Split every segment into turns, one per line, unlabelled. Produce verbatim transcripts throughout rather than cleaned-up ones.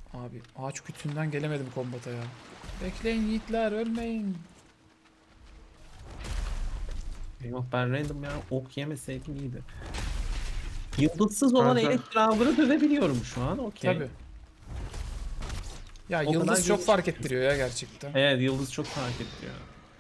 Abi ağaç kütüğünden gelemedim kombata ya. Bekleyin yiğitler, ölmeyin.
Yok ben random ya ok yemeseydim iyiydi. Yıldızsız olan
Zaten
Elektrabır'ı dövebiliyorum şu an. Okey.
Tabi. Ya
O kadar
yıldız çok
gelişmiş.
fark ettiriyor ya gerçekten.
Evet yıldız çok fark ediyor.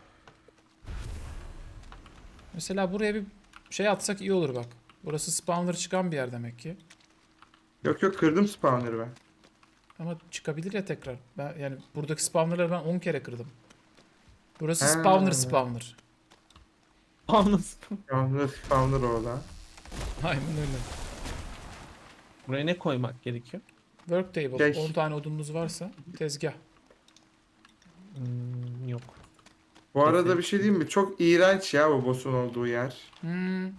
Mesela buraya bir şey atsak iyi olur bak. Burası spawner çıkan bir yer demek ki.
yok yok kırdım spawner'ı ben.
Ama çıkabilir ya tekrar. Ben yani buradaki spawnerları ben on kere kırdım. Burası
Ha.
spawner spawner.
Anlasın.
Yalnız spawner orada.
Aynen öyle.
Buraya ne koymak gerekiyor?
Work table.
Şey-
on tane odunumuz varsa tezgah.
Hmm, yok.
Bu arada bir şey diyeyim mi? Çok iğrenç ya bu boss'un olduğu yer.
Hmm.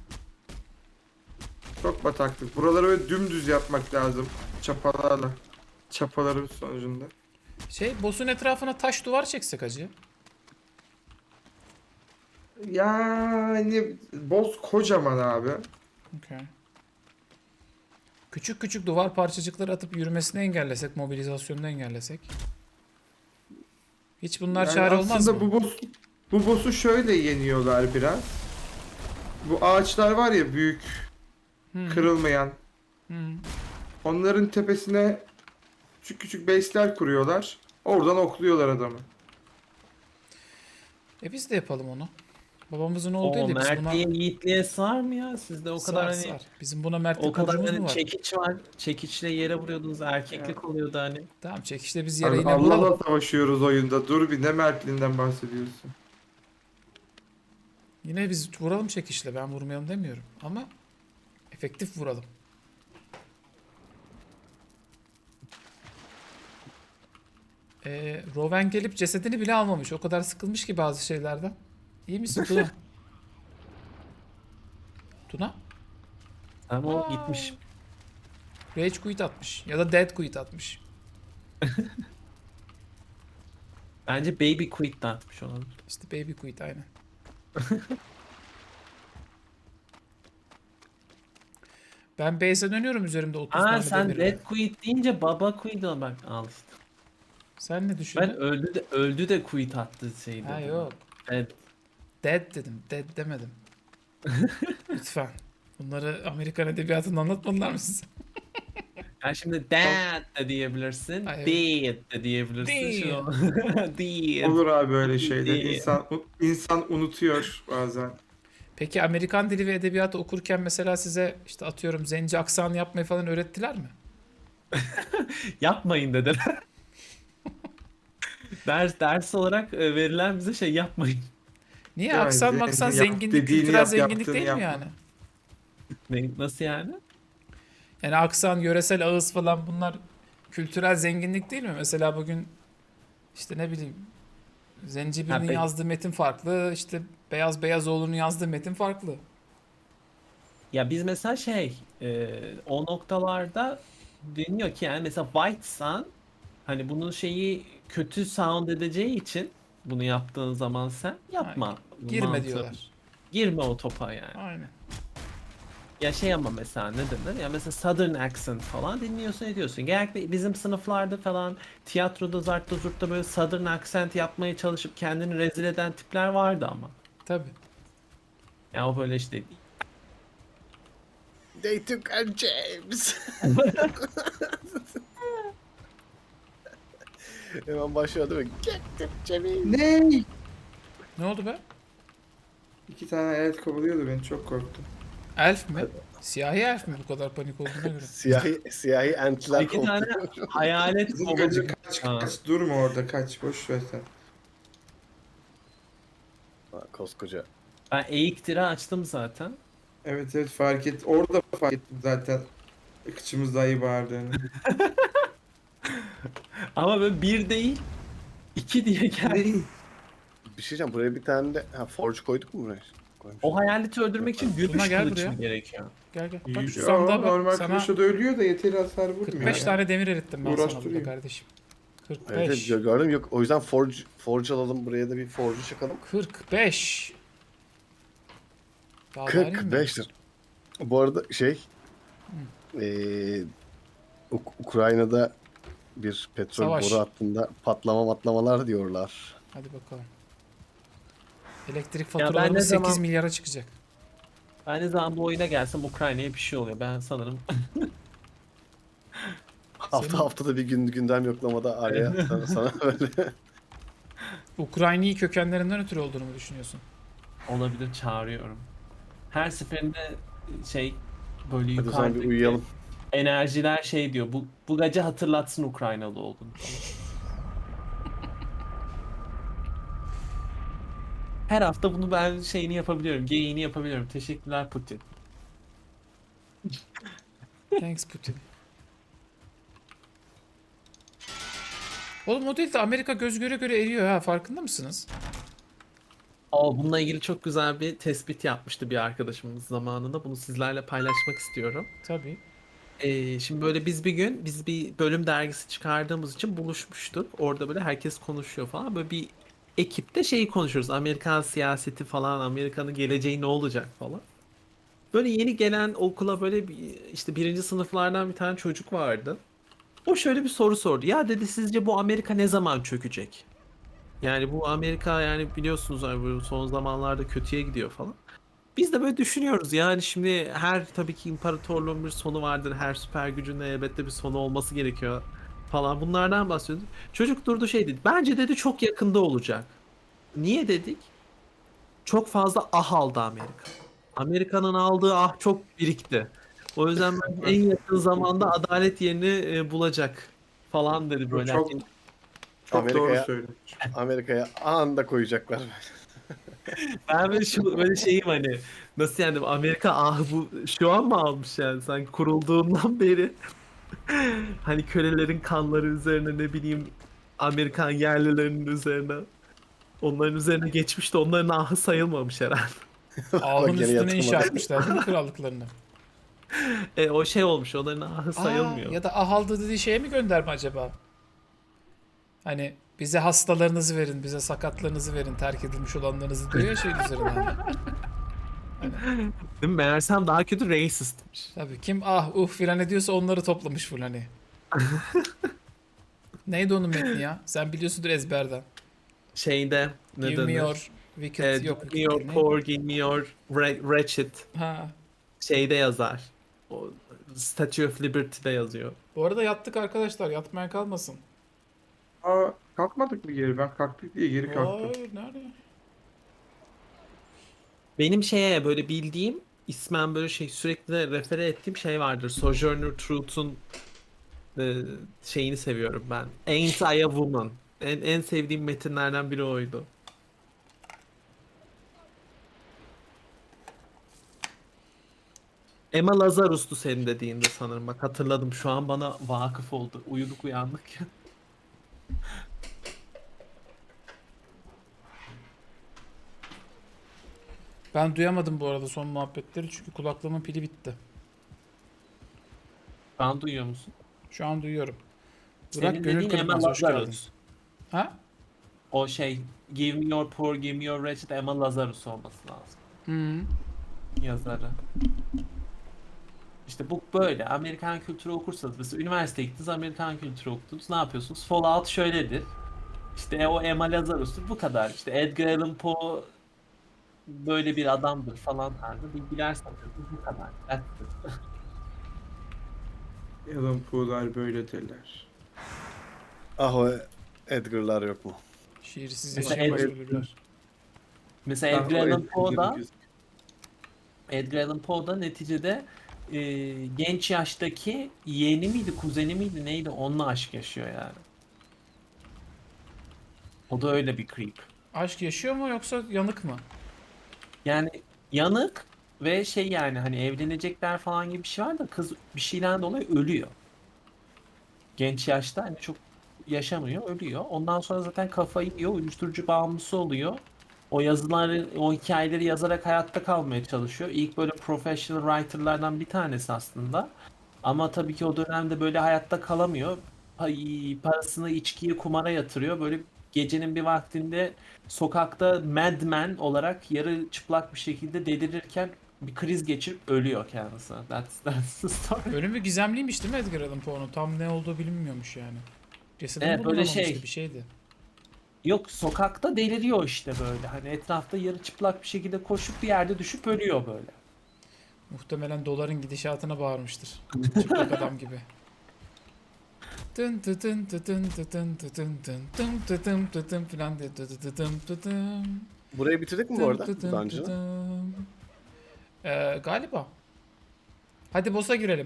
Çok bataklık. Buraları böyle dümdüz yapmak lazım. Çapalarla. Çapaların sonucunda.
Şey boss'un etrafına taş duvar çeksek hacı.
Yani boss kocaman abi.
Okay. Küçük küçük duvar parçacıkları atıp yürümesini engellesek, mobilizasyonunu engellesek. Hiç bunlar
Yani
çare olmaz
aslında
mı?
bu boss bu boss'u şöyle yeniyorlar biraz. Bu ağaçlar var ya büyük,
Hmm.
kırılmayan.
Hmm.
Onların tepesine küçük küçük base'ler kuruyorlar. Oradan okluyorlar adamı.
E biz de yapalım onu. Babamızın oğlu değil
O
de biz buna
mertliğe yiğitliğe sığar mı ya? Sizde o
sar
kadar hani
sar. Bizim buna mertlik
o kadar
borcumuz mu
hani
var?
çekiç var. Çekiçle yere vuruyordunuz erkeklik
Ya.
oluyordu hani.
Tamam çekişte biz yere
Abi
yine vuralım.
Allah'la savaşıyoruz oyunda. Dur bir ne mertliğinden bahsediyorsun.
Yine biz vuralım çekişle. Ben vurmayalım demiyorum. Ama efektif vuralım. Ee, Rowan gelip cesedini bile almamış. O kadar sıkılmış ki bazı şeylerden. İyi misin Tuna? Tuna?
Ama o
Aa.
gitmiş.
Rage quit atmış. Ya da dead quit atmış.
Bence baby quit de atmış olabilir.
İşte baby quit aynen. Ben base'e dönüyorum üzerimde otuz
Aa
tane
sen
demirle.
dead quit deyince baba quit al bak al işte.
Sen ne
Ben
düşündün?
öldü de öldü de quit attı şey dedim.
Ha yok.
Evet.
Dead dedim. Dead demedim. Lütfen. Bunları Amerikan edebiyatında anlatmadılar mı size?
Yani şimdi dad de diyebilirsin,
Ay, evet.
dead de diyebilirsin. Şu dead.
Olur abi böyle şeyler.
Dead.
İnsan insan unutuyor bazen.
Peki Amerikan dili ve edebiyatı okurken mesela size işte atıyorum zenci aksanı yapmayı falan öğrettiler mi?
Yapmayın dediler. Ders ders olarak e, verilen bize şey yapmayın.
Niye?
Yani
Aksan
zenci
maksan
yap,
zenginlik,
dediğini
kültürel
yap,
zenginlik
yaptığını
değil mi
yapma.
yani?
Ne, nasıl yani?
Yani aksan, yöresel ağız falan bunlar kültürel zenginlik değil mi? Mesela bugün işte ne bileyim Zenci
Ha,
birinin
be-
yazdığı metin farklı, işte Beyaz Beyazoğlu'nun yazdığı metin farklı.
Ya biz mesela şey e, o noktalarda deniyor ki yani mesela White Sun hani bunun şeyi kötü sound edeceği için bunu yaptığın zaman sen
Ha,
yapma.
girme
Mantığı.
diyorlar.
Girme o topa yani.
Aynen.
Ya şey ama mesela ne denir? Ya mesela Southern accent falan dinliyorsun ediyorsun. Genellikle bizim sınıflarda falan tiyatroda zartta zurtta böyle Southern accent yapmaya çalışıp kendini rezil eden tipler vardı ama.
Tabii.
Ya o böyle işte
They took our James. Hemen başlıyor değil mi? Get the James.
Ne?
Ne oldu be?
İki tane evet kovalıyordu beni çok korktum.
Elf mi? Siyahi elf mi bu kadar panik olduğuna göre?
Siyahi, siyahi entler
iki tane
kovalıyor.
hayalet
Kızım
kovalıyor.
gacı kaç
Ha.
kaç durma orada kaç boş ver sen.
Ha, koskoca.
Ben eğik tire açtım zaten.
Evet evet fark et. Orada fark ettim zaten. Kıçımız dayı bağırdığını.
Ama böyle bir değil iki diye geldi.
Ne?
Bir şey diyeceğim, buraya bir tane de ha, forge koyduk mu buraya? Koymuşuz.
O hayaleti öldürmek için
Tuna
gümüş
gel
kılıç
buraya.
mı gerekiyor?
Gel gel. Bak şu
Yo,
sandığa
normal
bak. Sana
kılıçla da ölüyor da yeteri hasar vurmuyor.
kırk beş
ya.
tane demir erittim ben sana burada
Uğraştırıyor.
kardeşim.
Evet,
kırk beş.
evet, gördüm yok. O yüzden forge forge alalım, buraya da bir forge çakalım.
kırk beş. Daha vereyim mi?
kırk beş lira. Bu arada şey eee Uk- Ukrayna'da bir petrol
Savaş.
boru hattında patlama matlamalar diyorlar.
Hadi bakalım. Elektrik
ben ne
faturalarımız sekiz
zaman-
milyara çıkacak.
Ben ne zaman bu oyuna gelsem Ukrayna'ya bir şey oluyor. Ben sanırım
Hafta
Senin-
haftada bir gün gündem yoklamada araya sana, sana böyle.
Ukrayna'yı kökenlerinden ötürü olduğunu mu düşünüyorsun?
olabilir, çağırıyorum. Her seferinde şey böyle
Hadi o zaman bir
yukarıdaki
uyuyalım.
enerjiler şey diyor. Bu bu gece hatırlatsın Ukraynalı olduğunu falan. Her hafta bunu ben şeyini yapabiliyorum. Geyiğini yapabiliyorum. Teşekkürler Putin.
Thanks Putin. Oğlum o değil de Amerika göz göre göre eriyor ha, farkında mısınız?
Aa, bununla ilgili çok güzel bir tespit yapmıştı bir arkadaşımız zamanında. Bunu sizlerle paylaşmak istiyorum.
Tabii.
Ee, şimdi böyle biz bir gün biz bir bölüm dergisi çıkardığımız için buluşmuştuk. Orada böyle herkes konuşuyor falan. Böyle bir ekipte şeyi konuşuyoruz. Amerikan siyaseti falan, Amerika'nın geleceği ne olacak falan. Böyle yeni gelen okula böyle bir, işte birinci sınıflardan bir tane çocuk vardı. O şöyle bir soru sordu. Ya dedi, sizce bu Amerika ne zaman çökecek? Yani bu Amerika, yani biliyorsunuz hani bu son zamanlarda kötüye gidiyor falan. Biz de böyle düşünüyoruz, yani şimdi her tabii ki imparatorluğun bir sonu vardır. Her süper gücün de elbette bir sonu olması gerekiyor falan, bunlardan bahsediyoruz. Çocuk durdu şey dedi. Bence dedi çok yakında olacak. Niye dedik? Çok fazla ah aldı Amerika. Amerika'nın aldığı ah çok birikti. O yüzden bence en yakın zamanda adalet yerini e, bulacak falan dedi böyle.
Çok çok doğru
Amerika'ya
söylemiş.
Amerika'ya anında koyacaklar.
Ben böyle şu böyle şeyim hani, nasıl yani, Amerika ah bu şu an mı almış yani, sanki kurulduğundan beri hani kölelerin kanları üzerine, ne bileyim, Amerikan yerlilerinin üzerine, onların üzerine geçmiş de onların ahı sayılmamış herhalde.
Ahın
gene
üstüne
yatırmadı.
inşa etmişler değil mi krallıklarını?
E, o şey olmuş, onların ahı
Aa,
sayılmıyor.
ya da ah aldı dediği şeye mi gönderme acaba? Hani bize hastalarınızı verin, bize sakatlarınızı verin, terk edilmiş olanlarınızı diyor ya şeyin üzerinden.
Değil mi? Meğersem daha kötü racistmiş.
Tabii kim ah uh filan ediyorsa onları toplamış full hani. Neydi onun metni ya? Sen biliyorsundur ezberden.
Şeyde ne
Give me
denir?
your wicked,
E,
yok
give me your
wicked ne?
poor, give me your wre- wretched.
Ha.
Şeyde yazar. O Statue of Liberty'de yazıyor.
Bu arada yattık arkadaşlar, yatmaya kalmasın.
Aa, kalkmadık mı geri? Ben kalktık diye geri kalktım.
Hayır, nerede?
Benim şeye böyle bildiğim, ismen böyle şey sürekli de refere ettiğim şey vardır. Sojourner Truth'un e, şeyini seviyorum ben. Ain't I a Woman. En, en sevdiğim metinlerden biri oydu. Emma Lazarus'tu senin dediğinde sanırım. Bak hatırladım, şu an bana vakıf oldu. Uyuduk uyandık ya.
Ben duyamadım bu arada son muhabbetleri çünkü kulaklığımın pili bitti.
Ben duyuyor musun?
Şu an duyuyorum.
Senin
Burak Gönül
dediğin Emma
Kırılmaz, hoş geldin.
Lazarus.
Ha?
O şey, Give me your poor, give me your wretched, Emma Lazarus olması lazım.
Hı.
Yazarı. İşte bu böyle. Amerikan kültürü okursanız, mesela üniversiteye gittiniz, Amerikan kültürü okudunuz. Ne yapıyorsunuz? Fallout şöyledir. İşte e, o Emma Lazarus'tur. Bu kadar. İşte Edgar Allan Poe böyle bir adamdır falan tarzı bilgiler satıyorsunuz. Bu kadar. That's it.
Alan Poe'lar böyle derler.
Ah o Edgar'lar yok mu?
Şiirsiz
Mesela
yaşayan
Ed-
ölürler.
Mesela
Ah,
Edgar
o
Allan Poe'da
Edgar'ın
Edgar Allan Poe'da neticede e, genç yaştaki yeğeni miydi, kuzeni miydi, neydi, onunla aşk yaşıyor yani. O da öyle bir creep.
Aşk yaşıyor mu yoksa yanık mı?
Yani yanık ve şey, yani hani evlenecekler falan gibi bir şey var da kız bir şeyden dolayı ölüyor. Genç yaşta hani çok yaşamıyor, ölüyor. Ondan sonra zaten kafayı yiyor, uyuşturucu bağımlısı oluyor. O yazıları, o hikayeleri yazarak hayatta kalmaya çalışıyor. İlk böyle professional writer'lardan bir tanesi aslında. Ama tabii ki o dönemde böyle hayatta kalamıyor. Pa- Parasını içkiye, kumara yatırıyor. Böyle gecenin bir vaktinde sokakta madman olarak yarı çıplak bir şekilde delirirken bir kriz geçirip ölüyor kendisi. That's, that's the story.
Ölümü gizemliymiş değil mi Edgar Allan Poe'nun? Tam ne olduğu bilinmiyormuş yani. Cesedini
Evet, böyle
bulunamamıştı,
şey.
bir şeydi.
Yok, sokakta deliriyor işte böyle. Hani etrafta yarı çıplak bir şekilde koşup bir yerde düşüp ölüyor böyle.
Muhtemelen doların gidişatına bağırmıştır. Çıplak adam gibi. Tın tı tın tı tın tı tın tı tın tın tın tı tın tı tın filan diye tı tı tı tın tı tın.
Burayı bitirdik mi bu
Tın
arada?
tı tın tı
Dungeon'ı.
tın. Ee, galiba. Hadi boss'a girelim.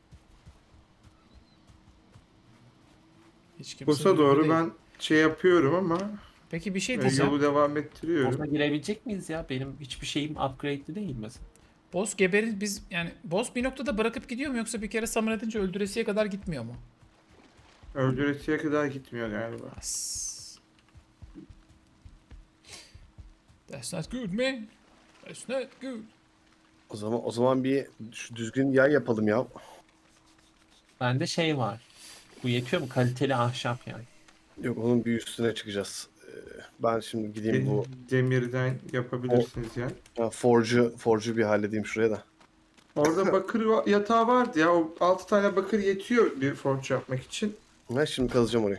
Hiç kimse
Boss'a
duygu
doğru
değil.
ben şey yapıyorum ama
Peki bir şey
e,
diyeceğim.
yolu devam ettiriyorum.
Boss'a girebilecek miyiz ya? Benim hiçbir şeyim upgrade'li değil mesela.
Boss geberin biz yani boss bir noktada bırakıp gidiyor mu yoksa bir kere summon edince öldüresiye kadar gitmiyor mu?
Öldüresiye kadar gitmiyor galiba.
As. That's not good man. That's not good.
O zaman o zaman bir şu düzgün yay yapalım ya.
Bende şey var. Bu yetiyor mu? Kaliteli ahşap yani.
Yok, onun bir üstüne çıkacağız. Ee, Ben şimdi gideyim bu
Demirden yapabilirsiniz yani.
ha, forge'u forge'u bir halledeyim şuraya da.
Orada bakır va- yatağı vardı ya. O altı tane bakır yetiyor bir forge yapmak için.
Ha, şimdi kazacağım orayı.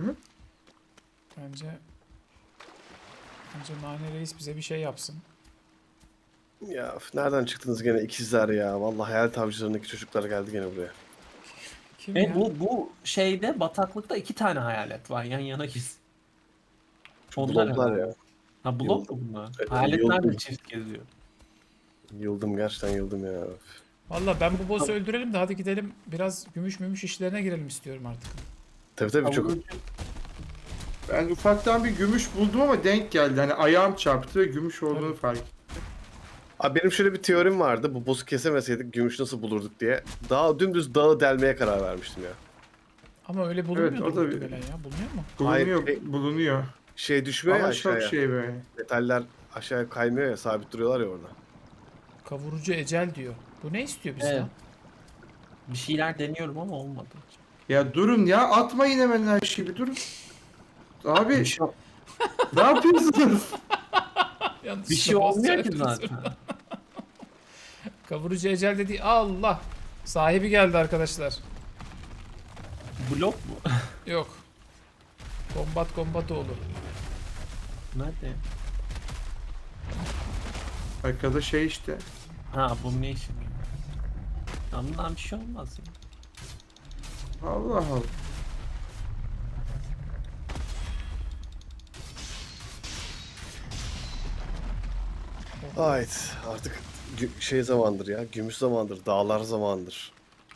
Bence Bence Nane Reis bize bir şey yapsın.
Ya üf, nereden çıktınız gene ikizler ya? Vallahi hayal avcılarındaki çocuklar geldi gene buraya.
Kim
E
ya?
bu bu şeyde bataklıkta iki tane hayalet var yan yana giz. Onlar
Bloblar
herhalde.
ya.
Ha blok mu bunlar?
Evet,
Hayaletler de
yıldım.
çift geziyor.
Yıldım, gerçekten yıldım ya. Üf.
Valla ben bu boss'u öldürelim de hadi gidelim biraz gümüş mümüş işlerine girelim istiyorum artık.
Tabii tabii çok.
Kavurucu-
Ben ufaktan bir gümüş buldum ama denk geldi. Hani ayağım çarptı ve gümüş olduğunu fark ettim.
Abi benim şöyle bir teorim vardı. Bu boss'u kesemeseydik gümüş nasıl bulurduk diye. Daha dümdüz dağı delmeye karar vermiştim ya.
Ama öyle bulunmuyor
Evet, o da bir-
muhtemelen ya. Bulunuyor mu?
Bulunuyor,
Hayır, e-
bulunuyor.
Şey düşmüyor ya
Ama çok
aşağıya.
şey böyle.
Metaller aşağıya kaymıyor ya, sabit duruyorlar ya orada.
Kavurucu ecel diyor. Bu ne istiyor bizden?
Evet. Bir şeyler deniyorum ama olmadı.
Ya durun ya, atmayın hemen her şeyi, bir durun. Abi
Bir şey,
ne yapıyorsunuz?
Yanlış
bir şey
boss
olmuyor ki
çarptı.
zaten.
Kavurucu ecel dedi. Allah. Sahibi geldi arkadaşlar.
Blok mu?
Yok. Kombat kombat oğlu.
Nerede?
Arkada şey işte.
Ha bu ne işi? Ya bundan bir şey olmaz ya.
Allah Allah.
Ait artık gü- şey zamandır ya. Gümüş zamandır. Dağlar zamandır.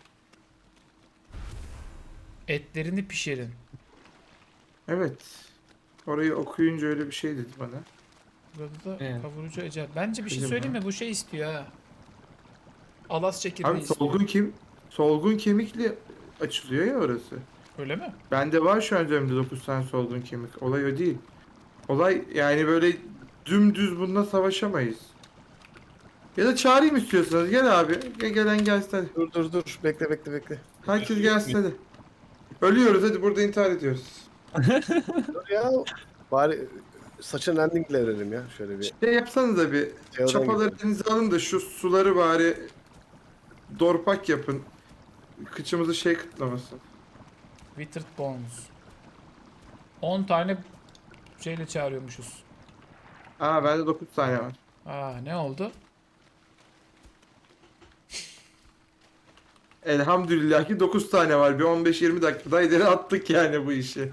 Etlerini pişirin.
Evet. Orayı okuyunca öyle bir şey dedi bana.
Burada da
Evet.
kavurucu ecel. Bence bir şey
Bizim
söyleyeyim
ha.
mi? Bu şey istiyor ha. Alas çekirdeği
Abi
istiyor.
solgun kim? Solgun kemikli açılıyor ya orası.
Öyle mi?
Bende var şu an üzerimde dokuz tane solgun kemik. Olay o değil. Olay yani böyle dümdüz bununla savaşamayız. Ya da çağırayım istiyorsanız. Gel abi. Gel, gelen gelsin hadi.
Dur dur dur. Bekle bekle bekle.
Herkes gelsin hadi. Ölüyoruz hadi, burada intihar ediyoruz.
Dur ya. Bari saçın endingle verelim ya. Şöyle bir.
Şey yapsanız da bir
Teoden
çapaları
gibi.
elinize alın da şu suları bari dorpak yapın. Kıçımızı şey kıtlamasın.
Withered Bones. on tane şeyle çağırıyormuşuz.
Aa bende dokuz tane var.
Aa ne oldu?
Elhamdülillah ki dokuz tane var. Bir on beş yirmi dakikada ileri attık yani bu işi.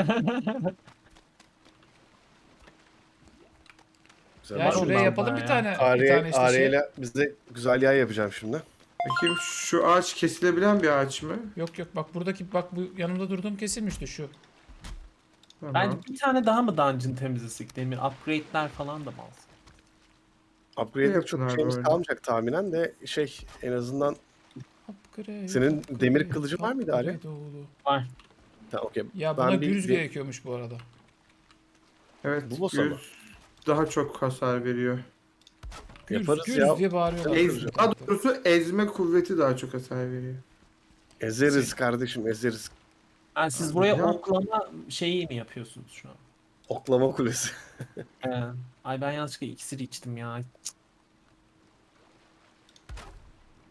Güzel.
Ya
var
şuraya
ondan
yapalım
daha
bir
ya.
tane. bir
Ariye,
tane işte şey.
Ariye'yle bize güzel yay yapacağım şimdi.
Bakayım, şu ağaç kesilebilen bir ağaç mı?
Yok yok bak buradaki bak bu yanımda durduğum kesilmişti şu.
Tamam.
Bence bir tane daha mı dungeon temizlesek? Demir upgrade'ler falan da mı alsak?
Upgrade'lik
Yapın
çok
abi
şeyimiz
öyle.
kalmayacak tahminen de şey en azından
Upgrade,
Senin
upgrade,
demir kılıcın var mıydı Ali?
upgrade oğlu.
Var.
ha, okey.
Ya
Ben
buna
bir-
gürüz
bir-
gerekiyormuş bu arada.
Evet,
Bu boss'a mı?
yüz daha çok hasar veriyor.
Gürüz,
Yaparız
gürüz
ya.
diye bağırıyorlar.
Ez,
kıracağım.
daha doğrusu ezme kuvveti daha çok hasar veriyor.
Ezeriz kardeşim, ezeriz.
Ha, siz buraya
Ya.
oklama şeyi mi yapıyorsunuz şu an?
Oklama kulesi.
Ee, ay ben yanlışlıkla iksir içtim ya.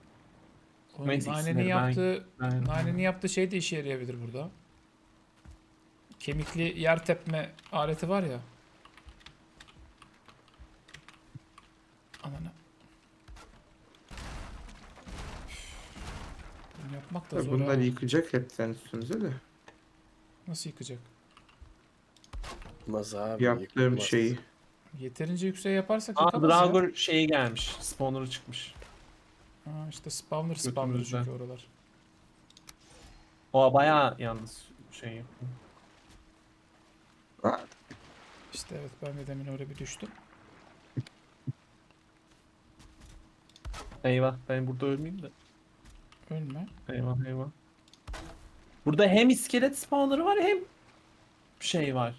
Oğlum,
Neyse,
Nane'nin
ikisini ben-
yaptığı,
ben-
Nane'nin yaptığı şey de işe yarayabilir burada. kemikli yer tepme aleti var ya. Ananı. Bunu yapmak da
Tabii
zor
bunlar
ha.
yıkacak hepten üstünüze de.
Nasıl yıkacak?
Yıkmaz abi.
Yaptığım
yıkmaz.
şeyi.
Yeterince yüksek yaparsak
Aa,
yıkamaz ya.
Draugr şeyi gelmiş. Spawner'ı çıkmış.
Ha, işte spawner spawner
Götümüzden.
çünkü oralar.
O bayağı yalnız şey yapıyor.
Ha,
İşte evet ben de demin öyle bir düştüm.
Eyvah ben burada ölmeyeyim de.
Ölme.
Eyvah eyvah. Burada hem iskelet spawner'ı var hem şey var.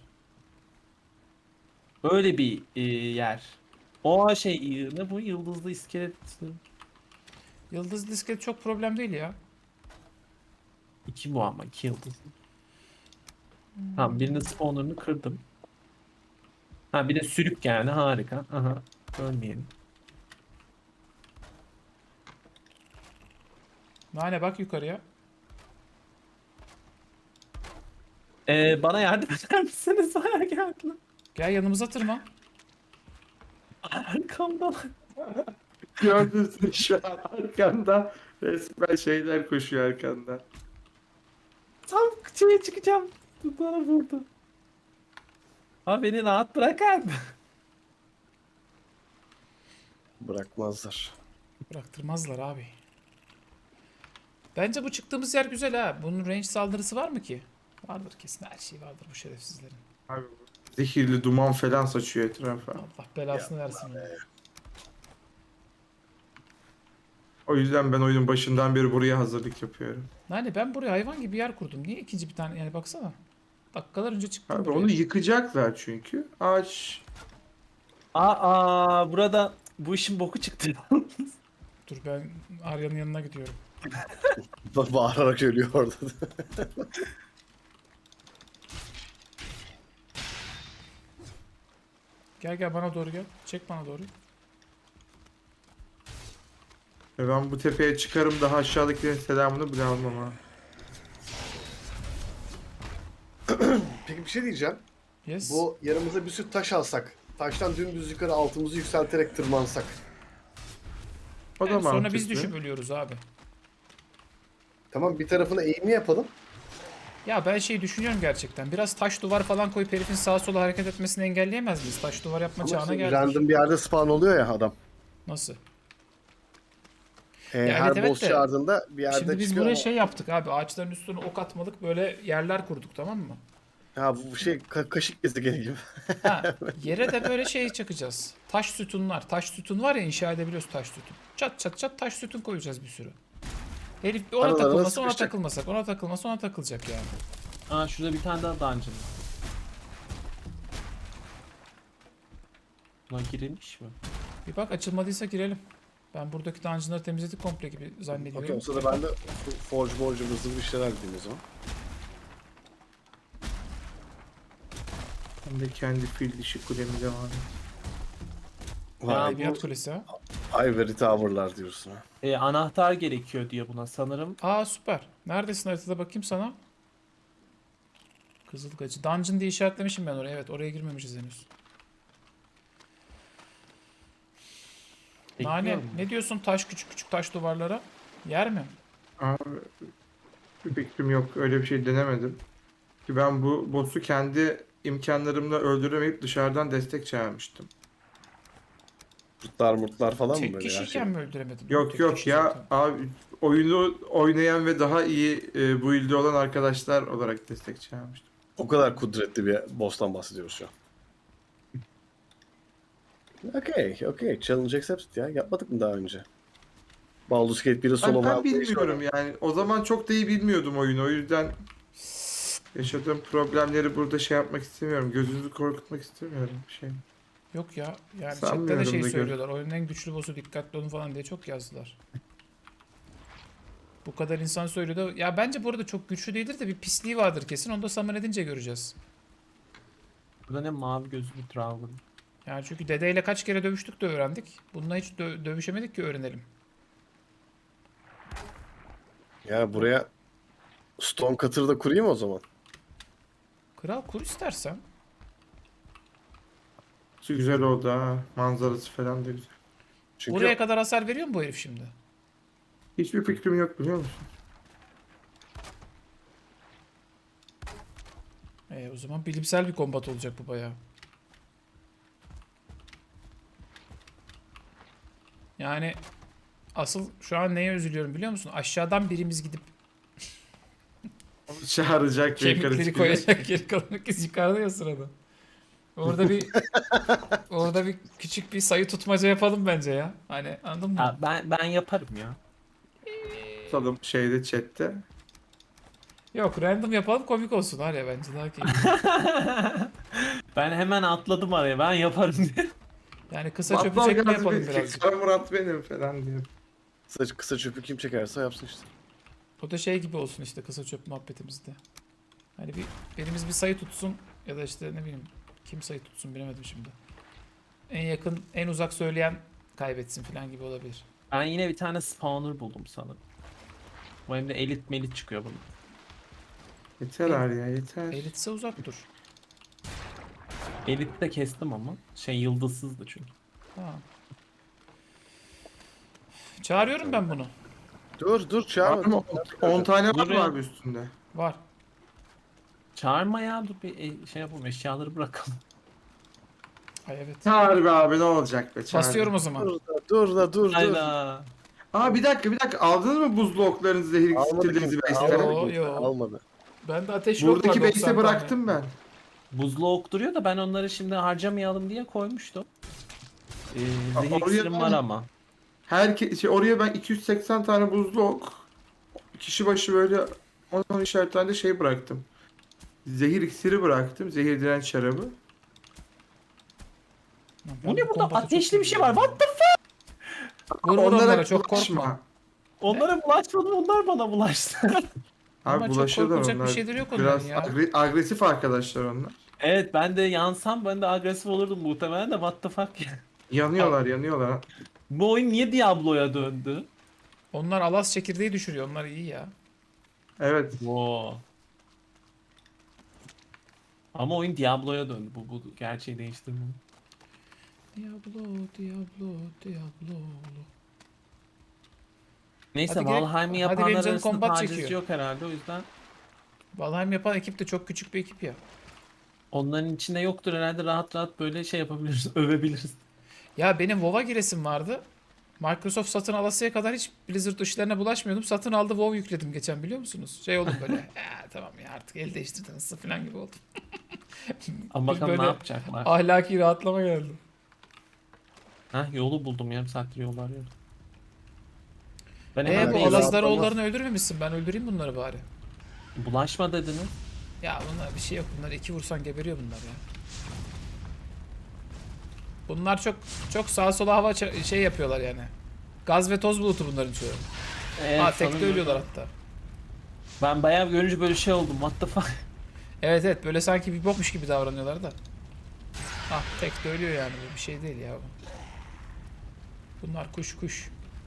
Böyle bir e, yer. O şey ne bu yıldızlı iskelet
Yıldız disket çok problem değil ya.
iki bu ama iki yıldızlı. Tamam birinin spawner'ını kırdım. Ha bir de sürük yani harika. Aha ölmeyelim.
Nane bak yukarıya.
Ee, bana yardım eder misiniz? Bayağı geldiler.
Gel yanımıza tırman.
Arkamda.
Gördün mü şu an arkanda resmen şeyler koşuyor arkanda.
Tam şeye çıkacağım. Bana vurdu. Ha beni rahat bırakın.
Bırakmazlar.
Bıraktırmazlar abi. Bence bu çıktığımız yer güzel ha. Bunun range saldırısı var mı ki? Vardır kesin, her şey vardır bu şerefsizlerin.
Abi zehirli duman falan saçıyor etrafa.
Allah belasını versin onu.
O yüzden ben oyunun başından beri buraya hazırlık yapıyorum.
Nane ben buraya hayvan gibi yer kurdum. Niye ikinci bir tane yani baksana. Dakikalar önce çıktım
Abi
buraya.
onu yıkacaklar çünkü. Ağaç
Aa burada bu işin boku çıktı.
Dur ben Arya'nın yanına gidiyorum.
Ba- Bağırarak ölüyor orada.
Gel gel bana doğru gel. Çek bana doğru.
ve ben bu tepeye çıkarım daha aşağıdakilerin selamını bile almam ha.
Peki bir şey diyeceğim.
Yes.
Bu yanımıza bir sürü taş alsak. Taştan dümdüz yukarı altımızı yükselterek tırmansak.
O da
Yani sonra
mantıklı.
biz düşüp ölüyoruz abi.
Tamam bir tarafına eğimli yapalım.
Ya ben şey düşünüyorum gerçekten. Biraz taş duvar falan koyup herifin sağa sola hareket etmesini engelleyemez miyiz? Taş duvar yapma
Ama
çağına
işte
geldik.
random bir yerde spawn oluyor ya adam.
Nasıl?
Ee,
Ya
her
evet, evet
boss
de-
çağırdığında bir yerde
Şimdi biz
çıkıyor
buraya
ama-
şey yaptık abi. Ağaçların üstüne ok atmalık böyle yerler kurduk, tamam mı?
Ha bu şey ka- kaşık gezegeni gibi.
Ha, yere de böyle şey çakacağız. Taş sütunlar. Taş sütun var ya, inşa edebiliyoruz taş sütun. Çat çat çat taş sütun koyacağız bir sürü. Herif bir ona
Aralarına
takılmasa ona
sıkışacak.
takılmasak, ona takılmasa ona takılacak yani.
Aa şurada bir tane daha dungeon. Buna girilmiş mi?
Bir bak açılmadıysa girelim. Ben buradaki dungeonları temizledik komple gibi zannediyorum.
Okey o sırada ben de forge borcu hızlı bir şeyler gideyim o zaman.
Ben de kendi fil dişi kulemi devam edeyim.
Ya
Vay,
Edebiyat
bu-
kulesi ha.
Ivory Tower'lar diyorsun ha.
E, anahtar gerekiyor diyor buna sanırım.
Aa süper. Neredesin haritada bakayım sana. Kızılgacı. Dungeon diye işaretlemişim ben oraya. Evet oraya girmemişiz henüz. Nane
Bekliyorum.
ne diyorsun taş küçük küçük taş duvarlara? Yer mi?
Abi bir fikrim yok. Öyle bir şey denemedim. Ki ben bu boss'u kendi imkanlarımla öldüremeyip dışarıdan destek çağırmıştım.
Kurtlar murtlar falan mı
Tek
böyle her şey?
kişiyken mi öldüremedin?
Yok
Tek
yok
kişi
ya
zaten.
abi oyunu oynayan ve daha iyi e, bu ilde olan arkadaşlar olarak destek çağırmıştım.
O kadar kudretli bir boss'tan bahsediyoruz şu an. Okey, okey. Challenge accepted ya. Yapmadık mı daha önce? Baldur's Gate biri solo
Ben, ben
map-
bilmiyorum yani. O zaman çok da iyi bilmiyordum oyunu. O yüzden yaşadığım problemleri burada şey yapmak istemiyorum. Gözünüzü korkutmak istemiyorum bir şey.
Yok ya. Yani
Sanmıyorum
chatte de şey
da gör-
söylüyorlar. Oyunun en güçlü boss'u, dikkatli olun falan diye çok yazdılar. Bu kadar insan söylüyor da. Ya bence bu arada çok güçlü değildir de bir pisliği vardır kesin. Onu da summon edince göreceğiz.
Burada ne mavi gözlü bir dragon.
Yani çünkü dedeyle kaç kere dövüştük de öğrendik. Bununla hiç dö- dövüşemedik ki öğrenelim.
Ya buraya Stone Cutter'ı da kurayım o zaman.
Kral kur istersen.
Şu güzel oldu ha. Manzarası falan da güzel.
Çünkü
Buraya kadar hasar veriyor mu bu herif şimdi?
Hiçbir fikrim yok biliyor musun?
E, o zaman bilimsel bir kombat olacak bu bayağı. Yani asıl şu an neye üzülüyorum biliyor musun? Aşağıdan birimiz gidip
Onu çağıracak ve yukarı
kemikleri
çıkacak.
koyacak, geri kalan herkes yukarıda ya sırada. Orada bir orada bir küçük bir sayı tutmaca yapalım bence ya. Hani anladın mı?
Ha, ben ben yaparım ya.
Tutalım şeyde chatte.
Yok, random yapalım, komik olsun var ya, bence daha keyifli.
Ben hemen atladım araya. Ben yaparım diye.
Yani kısa çöpü
Battal
çekme
gaz
yapalım
bir-
birazcık.
Kara Murat benim falan diyor.
kısa, kısa çöpü kim çekerse yapsın işte.
O da şey gibi olsun işte, kısa çöp muhabbetimizde. Hani bir birimiz bir sayı tutsun ya da işte ne bileyim kim sayı tutsun bilemedim şimdi. En yakın, en uzak söyleyen kaybetsin falan gibi olabilir.
Ben yine bir tane spawner buldum sanırım. Bu hem de elit melit çıkıyor bunun.
Yeter abi ya yeter.
Elitse uzak dur.
Elit de kestim ama. Şey yıldızsızdı çünkü.
Ha. Çağırıyorum ben bunu.
Dur dur
Var
çağırma.
mı? on tane var
Dur
mı
ya.
abi üstünde?
Var.
Çağırma ya, dur bir e, şey yapalım, eşyaları bırakalım.
Ay evet.
Çağır be abi ne olacak be çağır.
Basıyorum o zaman.
Dur da dur da dur dur.
Hayda.
Aa bir dakika bir dakika aldınız mı buzlu oklarınızı zehir
Almadı
iksirlerinizi
kimse.
base'lere?
Yo,
Almadı.
yo.
Almadı.
Ben de ateş yok
Buradaki
var, doksan
base'e
tane.
bıraktım ben.
Buzlu ok duruyor da ben onları şimdi harcamayalım diye koymuştum. Ee, zehir
Oraya
iksirim
ben-
var ama.
Her şey, oraya ben iki yüz seksen tane buzlu ok, kişi başı böyle on on ikişer tane de şey bıraktım. Zehir iksiri bıraktım. Zehir direnç şarabı.
Lan ben
Bu ne burada?
kombatı çok
Ateşli bir şey var.
seviyorum.
What the
Vur vur onlara, çok
bulaşma.
korkma.
Onlara bulaşmadım, onlar bana bulaştı.
Ama
Abi
çok
bulaşıyorlar
korkulacak bir
onlar.
şeyleri yok onların
Biraz
ya.
agre- agresif arkadaşlar onlar.
Evet, ben de yansam ben de agresif olurdum muhtemelen de, what the fuck ya.
Yanıyorlar yanıyorlar.
Bu oyun niye Diablo'ya döndü?
Onlar alas çekirdeği düşürüyor. Onlar iyi ya.
Evet.
Wow. Ama oyun Diablo'ya döndü. Bu, bu gerçeği değiştirmiyor.
Diablo, Diablo, Diablo.
Neyse,
Hadi gel-
Valheim'i
hadi
yapanlar
benim canım
arasında
kombat
taciz
çekiyor.
yok herhalde, o yüzden
Valheim yapan ekip de çok küçük bir ekip ya.
onların içinde yoktur herhalde, rahat rahat böyle şey yapabiliriz, övebiliriz.
Ya benim WoW'a giresim vardı. Microsoft satın alasıya kadar hiç Blizzard işlerine bulaşmıyordum. Satın aldı, WoW yükledim geçen, biliyor musunuz? Şey oldum böyle. Ya tamam ya, artık el değiştirdiniz falan gibi oldum.
Ama
Bir
bakalım ne
böyle
yapacaklar.
ahlaki rahatlama geldi.
Heh, yolu buldum, yarım saattir yol arıyorum. Ben
E
hemen
bu
bir-
Alaz-
Alazdaroğullarını öldürmemişsin. Ben öldüreyim bunları bari.
bulaşma dediniz.
Ya bunlar bir şey yok. Bunlar iki vursan geberiyor bunlar ya. Bunlar çok çok sağa sola hava ça- şey yapıyorlar yani. Gaz ve toz bulutu bunların çoğu.
Evet,
Ha tekte
sanırım
ölüyorlar
öyle.
hatta.
Ben bayağı görünce böyle şey oldum, what the fuck.
Evet evet, böyle sanki bir bokmuş gibi davranıyorlar da. Ah tekte ölüyor yani, bu bir şey değil ya bu. Bunlar kuş kuş.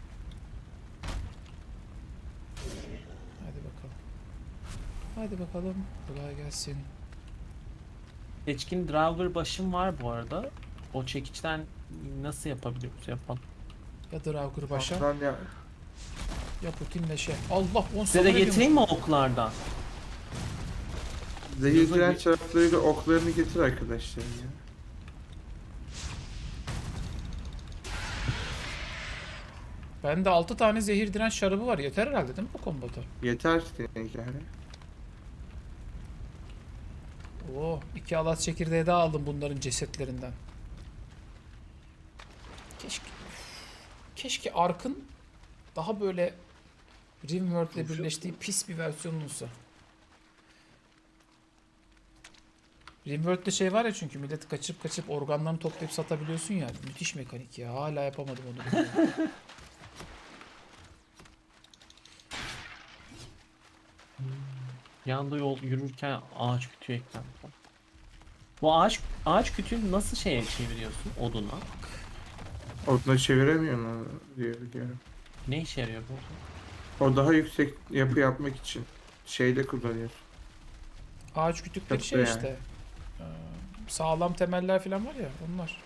Hadi bakalım. Hadi bakalım. Kolay gelsin.
Seçkin driver başım var bu arada. O çekiçten nasıl yapabiliyoruz, yapalım.
Ya Draugr başa
Lan ya.
ya Putin leşe. Allah on
Size de
sana
getireyim mi oklardan?
Zehir
Yazın
direnç
bir-
şaraplarıyla oklarını getir arkadaşlar ya.
Bende altı tane zehir direnç şarabı var. Yeter herhalde değil mi bu kombata?
Yeter demek yani.
Oo, iki alat çekirdeği daha aldım bunların cesetlerinden. Keşke keşke Ark'ın daha böyle Rimworld ile birleştiği pis bir versiyonu olsa. Rimworld'de şey var ya, çünkü milleti kaçırıp kaçırıp organlarını toplayıp satabiliyorsun ya. Müthiş mekanik ya. Hala yapamadım onu.
Yanda yol yürürken ağaç kütüğü eklendi. Bu ağaç ağaç kütüğünü nasıl şeye çeviriyorsun, oduna?
Oduna çeviremiyor mu diye biliyorum.
Ne işe yarıyor bu?
O daha yüksek yapı yapmak için şeyde kullanıyor.
Ağaç kütükleri
Çok
şey
yani.
işte. Ee, sağlam temeller falan var ya onlar.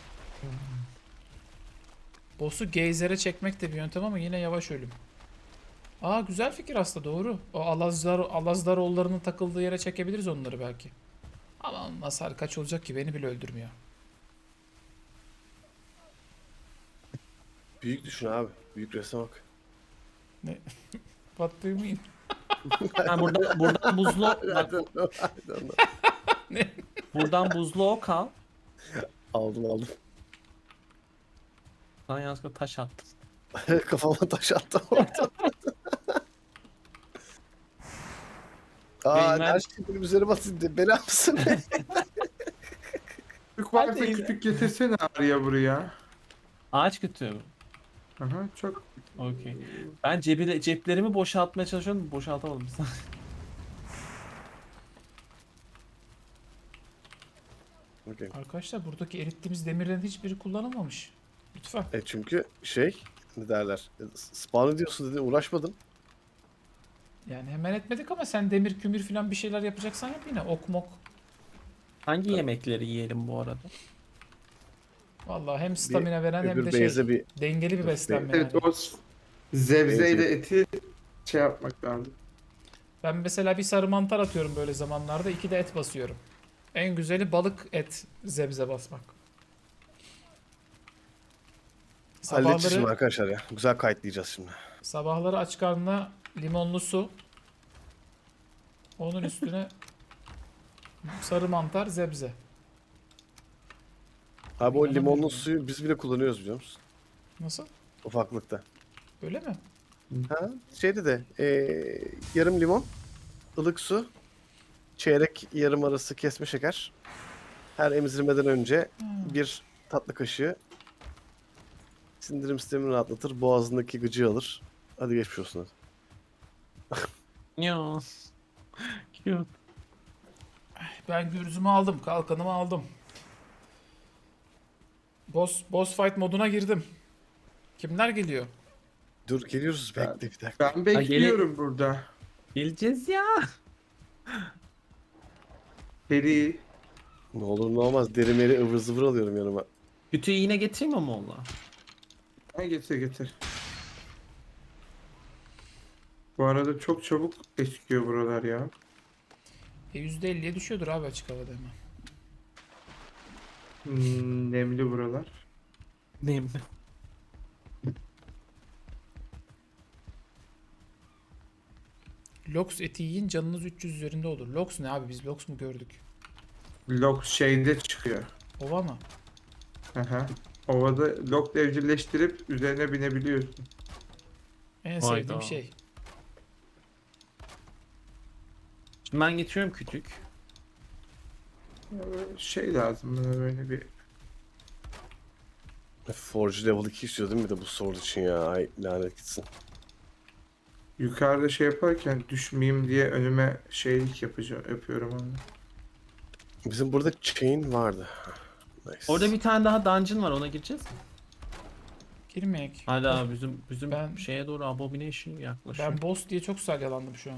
Boss'u geyzere çekmek de bir yöntem ama yine yavaş ölüm. Aa güzel fikir aslında, doğru. O Alazlar, Alazdaroğullarının takıldığı yere çekebiliriz onları belki. Ama onun hasarı kaç olacak ki, beni bile öldürmüyor.
Büyük düşün abi. Büyük resme bak.
What do you mean?
Ha, burada, buradan buzlu bak,
I don't know, I don't know.
buradan buzlu ok al.
Aldım aldım.
Sana yanlışlıkla taş attım.
Kafama taş attım orada. Aa,
Benim
her
her-
şey benim üzerime atıldı. Bela mısın?
Kütük varsa
Hadi.
kütük getirsene Arya buraya.
Ağaç kütüğü mü?
Aha çok.
Okey. Ben cebi, ceplerimi boşaltmaya çalışıyorum. Boşaltamadım.
Okay.
Arkadaşlar buradaki erittiğimiz demirlerin hiçbiri kullanılmamış. Lütfen.
E çünkü şey ne derler? e, Spawn ediyorsun dedi uğraşmadın.
Yani hemen etmedik ama sen demir kümür falan bir şeyler yapacaksan yap yine. Ok mok.
Hangi yemekleri yiyelim bu arada?
Vallahi hem stamina veren hem
Öbür
de
base'e
şey
bir
dengeli bir beslenme
Evet
yani.
o zevzeyle eti şey yapmak lazım.
Ben mesela bir sarı mantar atıyorum böyle zamanlarda, iki de et basıyorum. En güzeli balık et zebze basmak.
halledeceğiz şimdi
Sabahları,
arkadaşlar ya. Güzel kayıtlayacağız şimdi.
sabahları aç karnına limonlu su. Onun üstüne sarı mantar zebze.
Abi o
İnanamıyorum
limonlu
ya.
suyu biz bile kullanıyoruz biliyor musun?
Nasıl?
Ufaklıkta.
Öyle mi?
Ha, şeyde de e, yarım limon, ılık su, çeyrek yarım arası kesme şeker. Her emzirmeden önce
Hmm.
bir tatlı kaşığı sindirim sistemini rahatlatır, boğazındaki gıcığı alır. Hadi geçmiş olsun hadi.
Ya. Cute.
Ben gürzümü aldım, kalkanımı aldım. Boss, boss fight moduna girdim. Kimler geliyor?
Dur geliyoruz
Ben-
bekle bir dakika.
Ben bekliyorum burada.
Geleceğiz ya.
Seri.
Ne olur ne olmaz deri meri ıvır zıvır alıyorum yanıma.
Kütüğü yine getireyim mi Moğol'a?
Ha, getir getir. Bu arada çok çabuk eskiyor buralar ya.
E yüzde elliye düşüyordur abi açık havada hemen.
Hmm, nemli buralar.
Neyim?
Lox eti yiyin canınız üç yüz üzerinde olur. Lox ne abi, biz Lox mu gördük?
Lok şeyinde çıkıyor.
Ova mı?
Aha. Ovada lok evcilleştirip üzerine binebiliyorsun.
En
Hayda.
sevdiğim şey.
Şimdi ben getiriyorum kütük.
Ya böyle şey lazım bana böyle bir.
Forge level iki istiyor değil mi bir de bu sword için ya? Ay lanet gitsin.
Yukarıda şey yaparken düşmeyeyim diye önüme şeylik yapacağım, yapıyorum onu.
Bizim burada chain vardı. Nice.
Orada bir tane daha dungeon var, ona gireceğiz mi?
Girmeyek.
Hala bizim bizim
Ben-
şeye doğru abomination yaklaşıyor.
Ben boss diye çok salyalandım şu an.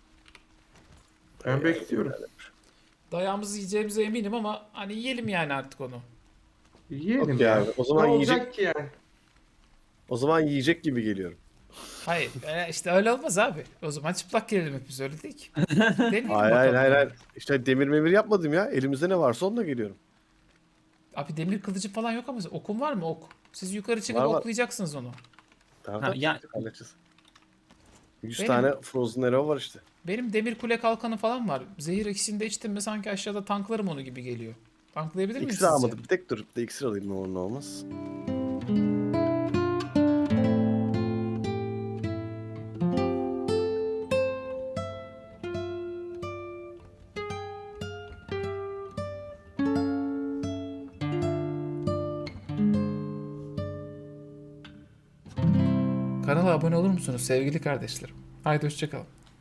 Ben bekliyorum.
Dayağımızı yiyeceğimize eminim ama hani yiyelim yani artık onu.
Yiyelim
Okey
ya.
abi, o
Ne
zaman
olacak
yiyecek
ki yani?
o zaman yiyecek gibi geliyorum.
Hayır e, işte öyle olmaz abi. O zaman çıplak gelelim hepimiz, öyle değil ki. Deneyelim
Hayır hayır
bakalım.
hayır hayır. İşte demir memir yapmadım ya. Elimizde ne varsa onunla geliyorum.
Abi demir kılıcı falan yok ama okun var mı, ok? Siz yukarı çıkıp
Var, var.
oklayacaksınız onu.
Tamam
Ha,
tamam.
ya-
Halledeceğiz. yüz
Benim-
tane Frozen Arrow var işte.
Benim demir kule kalkanı falan var. Zehir ikisini de içtim mi sanki aşağıda tanklarım onu gibi geliyor. Tanklayabilir miyim
İksir
sizce?
almadım. Bir tek dur. Bir de iksir alayım ne olur ne olmaz.
Kanala abone olur musunuz sevgili kardeşlerim? Haydi hoşçakalın.